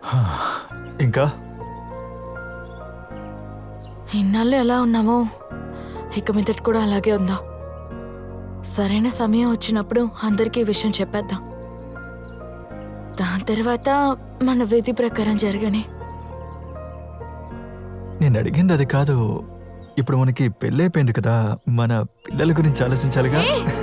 ఇంకా ఇన్నాళ్ళు ఎలా ఉన్నామో ఇక మీదట కూడా అలాగే ఉందా? సరైన సమయం వచ్చినప్పుడు అందరికీ ఈ విషయం చెప్పేద్దాం. దాని తర్వాత మన విధి ప్రకారం జరగని. నేను అడిగింది అది కాదు. ఇప్పుడు మనకి పెళ్ళైపోయింది కదా, మన పిల్లల గురించి ఆలోచించాలిగా.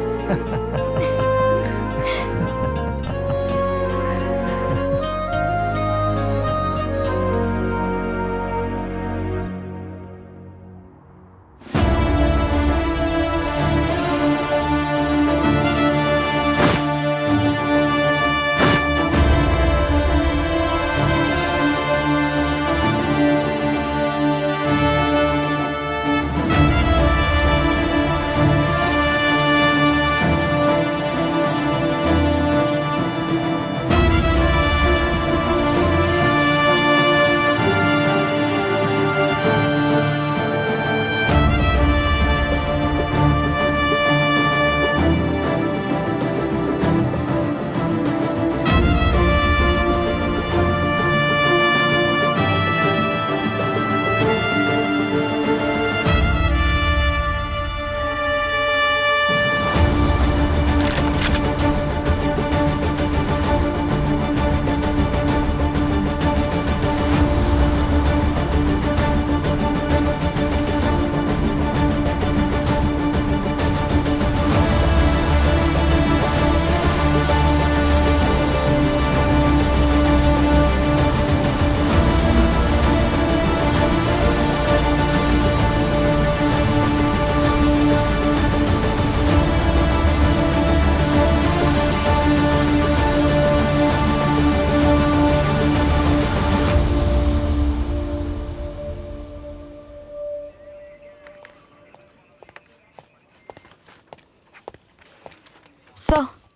So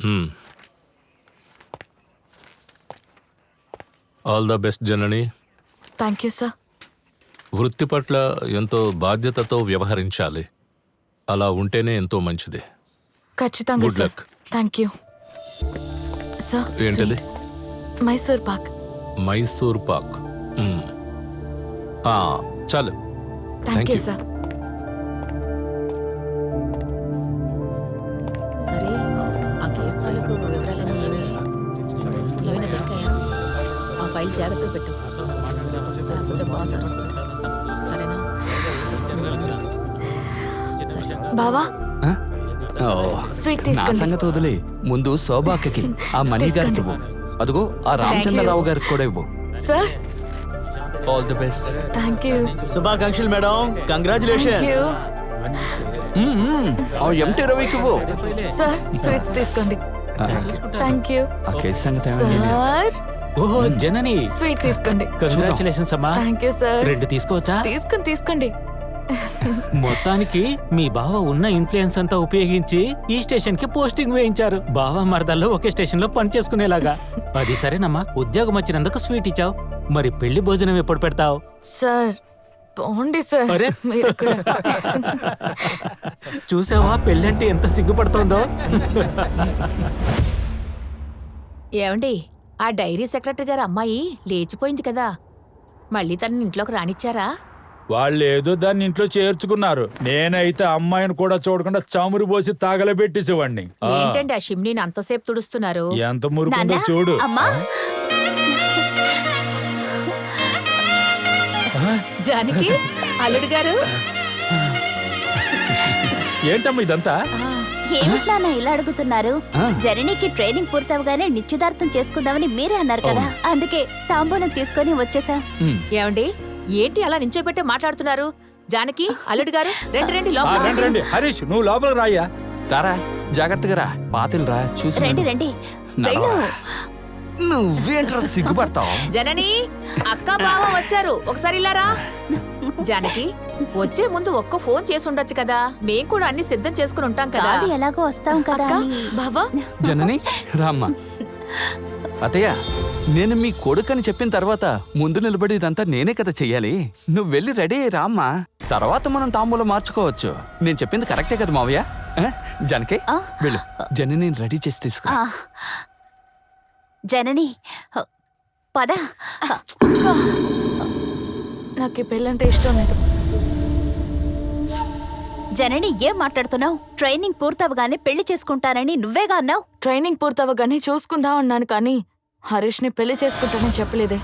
all the best Janani. Thank you sir. వృత్తి పట్ల ఎంతో బాధ్యతతో వ్యవహరించాలి. అలా ఉంటేనే ఎంతో మంచిది. ఖచ్చితంగా good sir. Luck. Thank you sir. ఏంటది? మైసూర్ పాక్. మైసూర్ పాక్. చాలు. Thank you you. సార్. సరే, ఆ కేసు తాలూకు వివరాలన్నీ ఏమైనా దొరికాయా? ఆ ఫైల్ జాగ్రత్తగా పెట్టు. లేకపోతే బాస్ అరుస్తాడు. సరేనా? బావా స్వీట్ నా తీసుకోండి. సంగతి వదిలే, ముందు శోభాకి ఆ మనీ గారికి ఇవ్వు. అదిగో ఆ రామచంద్రరావు గారికి కూడా ఇవ్వు. Sir all the best. Thank you. శుభాకాంక్షలు మేడం. కంగ్రాచులేషన్. థ్యాంక్ యూ ఆ ఎంటీ రవికి ఇవ్వు. సార్. స్వీట్స్ తీసుకోండి. థ్యాంక్ యూ ఆ కేసు సంగతి ఏమైంది? సార్. ఓహో జనని, స్వీట్ తీసుకోండి. కంగ్రాచులేషన్స్ అమ్మా. Thank you sir. 2 తీసుకోవచ్చా? తీసుకోండి. మొత్తానికి మీ బావ ఉన్న ఇన్ఫ్లుయెన్స్ అంతా ఉపయోగించి ఈ స్టేషన్ కి పోస్టింగ్ వేయించారు. బావ మరదల్లో ఒకే స్టేషన్ లో పని చేసుకునేలాగా. అది సరేనమ్మా, ఉద్యోగం వచ్చినందుకు స్వీట్ ఇచ్చావు. మరి పెళ్లి భోజనం ఎప్పుడు పెడతావు? సార్ పోండి సార్. అరే. మీరు కూడా. చూసావా పెళ్ళంటే ఎంత సిగ్గుపడుతోందో. ఏమండి, ఆ డైరీ సెక్రటరీ గారు అమ్మాయి లేచిపోయింది కదా, మళ్ళీ తనని ఇంట్లోకి రానిచ్చారా? వాళ్ళు ఏదో దాన్ని ఇంట్లో చేర్చుకున్నారు. నేనైతే అమ్మాయిని కూడా చూడకుండా చమురు పోసి తాగలబెట్టేసేవాడిని. ఏంటండి ఆ షిమ్నీని అంతసేపు తుడుస్తున్నారు? ఎంత మురుకుందో చూడు. జానకి, అల్లుడు గారు. ఏంటమ్మా ఇదంతా? ఏమిటి నాన్న ఇలా అడుగుతున్నారు? జననికి ట్రైనింగ్ పూర్తవగానే నిశ్చితార్థం చేసుకుందామని మీరే అన్నారు కదా, అందుకే తాంబూలం తీసుకొని వచ్చేసాం. ఏమండి, ఏంటి అలా నించోబెట్టే మాట్లాడుతున్నారు? జానకి, అల్లుడు గారు, రండి రండి. హరీష్, నువ్వు లోపలికి రాయ్యా. రారా, జాగ్రత్తగా రా. పాతిల్ రా, చూసి రండి వెళ్ళు. నువ్వేంట్రా సిగ్గుపడతావు? జనని, అక్క బావ వచ్చారు, ఒకసారి ఇలా రా. జానకి, వచ్చే ముందు ఒక్క ఫోన్ చేసి ఉండొచ్చు కదా, మేం కూడా అన్ని సిద్ధం చేసుకుని ఉంటాం కదా. అది ఎలాగో వస్తాం కదా అని. బావా జనని రామ్మా. అత్తయ్య, నేను మీ కొడుకని చెప్పిన తర్వాత ముందు నిలబడి ఇదంతా నేనే కదా చెయ్యాలి. నువ్వు వెళ్ళి రెడీ అయ్యి రామ్మా. తర్వాత మనం తాంబూలం మార్చుకోవచ్చు. నేను చెప్పింది కరెక్టే కదా మావయ్య? జానకి వెళ్ళు, జనని రెడీ చేసి తీసుకురా. జనని, పద. నాకు ఈ పెళ్ళంటే ఇష్టం లేదు. జనని ఏం మాట్లాడుతున్నావు? ట్రైనింగ్ పూర్తవగానే పెళ్లి చేసుకుంటానని నువ్వేగా అన్నావు. ట్రైనింగ్ పూర్తవగానే చూసుకుందాం అన్నాను, కానీ హరీష్ని పెళ్లి చేసుకుంటానని చెప్పలేదే.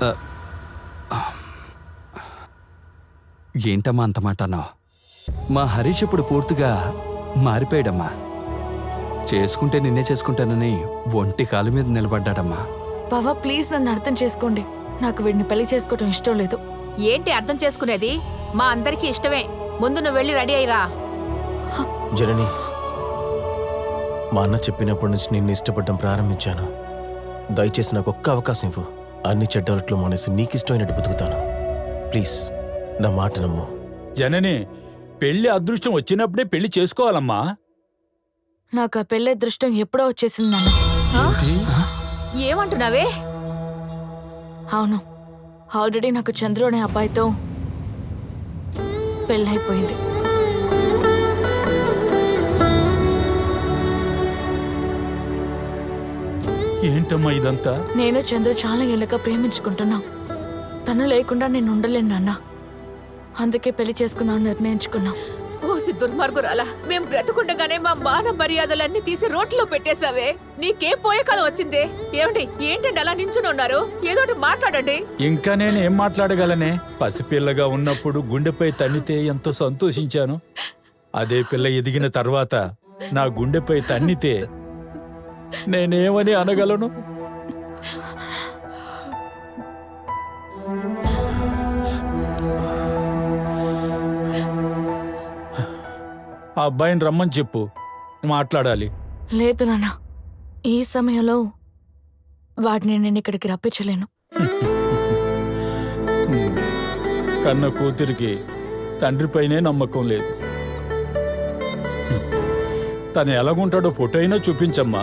ఏంటమ్మా అంత మాట అన్నావు? మా హరీష్ ఇప్పుడు పూర్తిగా మారిపోయాడమ్మా. చేసుకుంటే నిన్నే చేసుకుంటానని ఒంటి కాలు మీద నిలబడ్డాడమ్మా. బావా ప్లీజ్ నన్ను అర్థం చేసుకోండి. నాకు వీడిని పెళ్లి చేసుకోవటం ఇష్టం లేదు. ఏంటి అర్థం చేసుకునేది? మా అందరికీ ఇష్టమే. ముందు నువ్వు వెళ్ళి రెడీ అయ్యిరా. జనని, మా అన్న చెప్పినప్పటి నుంచి నిన్ను ఇష్టపడడం ప్రారంభించాను. దయచేసి నాకు ఒక్క అవకాశం ఇవ్వు. అన్ని చెడ్డలట్లు మానేసి నీకు ఇష్టమైనట్టు బతుకుతాను. ప్లీజ్ నా మాట నమ్ము. జనని, పెళ్లి అదృష్టం వచ్చినప్పుడే పెళ్లి చేసుకోవాలమ్మా. నాకు ఆ పెళ్లి అదృష్టం ఎప్పుడో వచ్చేసింది నాన్న. ఏమంటున్నావే? అవును, ఆల్రెడీ నాకు చంద్రు అనే అబ్బాయితో పెళ్ళైపోయింది. ఏంటమ్మా ఇదంతా? నేను చంద్రు చాలా ఏళ్ళగా ప్రేమించుకుంటున్నా. తను లేకుండా నేను ఉండలేను నాన్న. అందుకే పెళ్లి చేసుకుందామని నిర్ణయించుకున్నా. ఓసి దుర్మార్గురాలా, మేం బ్రతుకుండగానే మా మాన మర్యాదలన్నీ తీసి రోడ్లో పెట్టేశావే. నీకేం పోయే కాలం వచ్చిందే? ఏంటండి అలా నించుని ఉన్నారు? ఏదోటి మాట్లాడండి. ఇంకా నేను ఏం మాట్లాడగలనే? పసిపిల్లగా ఉన్నప్పుడు గుండెపై తన్నితే ఎంతో సంతోషించాను. అదే పిల్ల ఎదిగిన తర్వాత నా గుండెపై తన్నితే నేనేమని అనగలను? ఆ అబ్బాయిని రమ్మని చెప్పు, మాట్లాడాలి. లేదు నాన్న, ఈ సమయంలో వాడిని నేను ఇక్కడికి రప్పించలేను. కన్న కూతురికి తండ్రిపైనే నమ్మకం లేదు. తను ఎలాగుంటాడో ఫోటో అయినా చూపించమ్మా.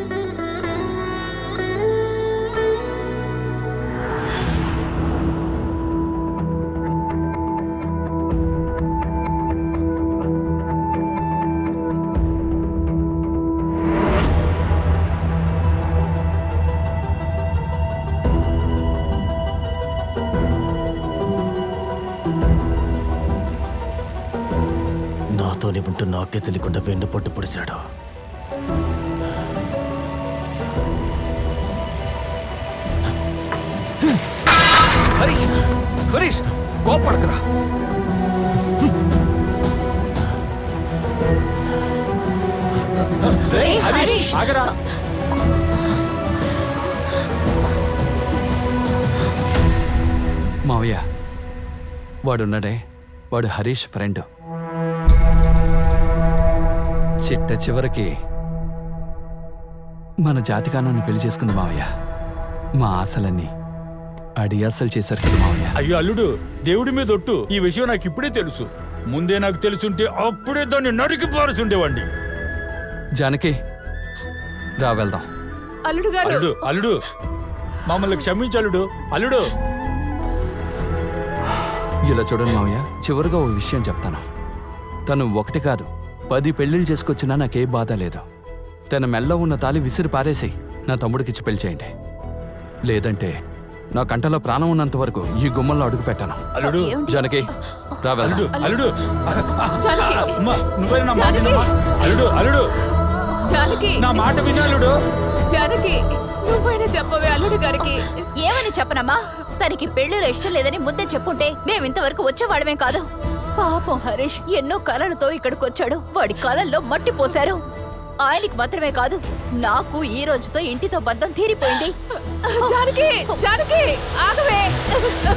నాతోనే ఉంటూ నాకే తెలియకుండా వెన్నుపోటు పొడిశాడు. హరీష్, హరీష్ కోపడకరా. ఆగరా. మావయ్య, వాడున్నాడే, వాడు హరీష్ ఫ్రెండ్. చిట్ట చివరికి మన జాతికానాన్ని పెళ్లి చేసుకుంది మావయ్య. మా ఆశలన్నీ అడియాసలు చేశారు కదా మావయ్య. అయ్యో అల్లుడు, దేవుడి మీద ఒట్టు, ఈ విషయం నాకు ఇప్పుడే తెలుసు. ముందే నాకు తెలుసుంటే అప్పుడే దాన్ని నరికి పారుసుండేవాడిని. జానకి, రా వెళ్దాం. అల్లుడు గారు, అల్లుడు అల్లుడు మమ్మల్ని క్షమించలుడు. అల్లుడు, ఇలా చూడండి మావయ్య, చివరిగా ఓ విషయం చెప్తాను. తను ఒకటి కాదు 10 పెళ్లిళ్ళు చేసుకొచ్చినా నాకే బాధ లేదు. తన మెల్ల ఉన్న తాళి విసిరి పారేసి నా తమ్ముడికిచ్చి పెళ్లి చేయండి. లేదంటే నా కంటలో ప్రాణం ఉన్నంత వరకు ఈ గుమ్మంలో అడుగు పెట్టాను. అల్లుడు, జానకి, రా వెళ్దాం. అల్లుడు, జానకి. అమ్మా, నువ్వే నా మాట వినమ్మా. అల్లుడు అల్లుడు జానకి, నా మాట వినాలుడు. జానకి, నువ్వైనా చెప్పవే అల్లుడు గారికి. ఏమని చెప్పనమ్మా? తనకి పెళ్లిలో ఇష్టం లేదని ముందే చెప్పుంటే మేమింతవరకు వచ్చేవాడమే కాదు. పాపం హరీష్ ఎన్నో కలలతో ఇక్కడికి వచ్చాడు. వాడి కలల్లో మట్టి పోశారు. ఆయనకి మాత్రమే కాదు, నాకు ఈ రోజుతో ఇంటితో బంధం తీరిపోయింది. జానకి, జానకి ఆగవే.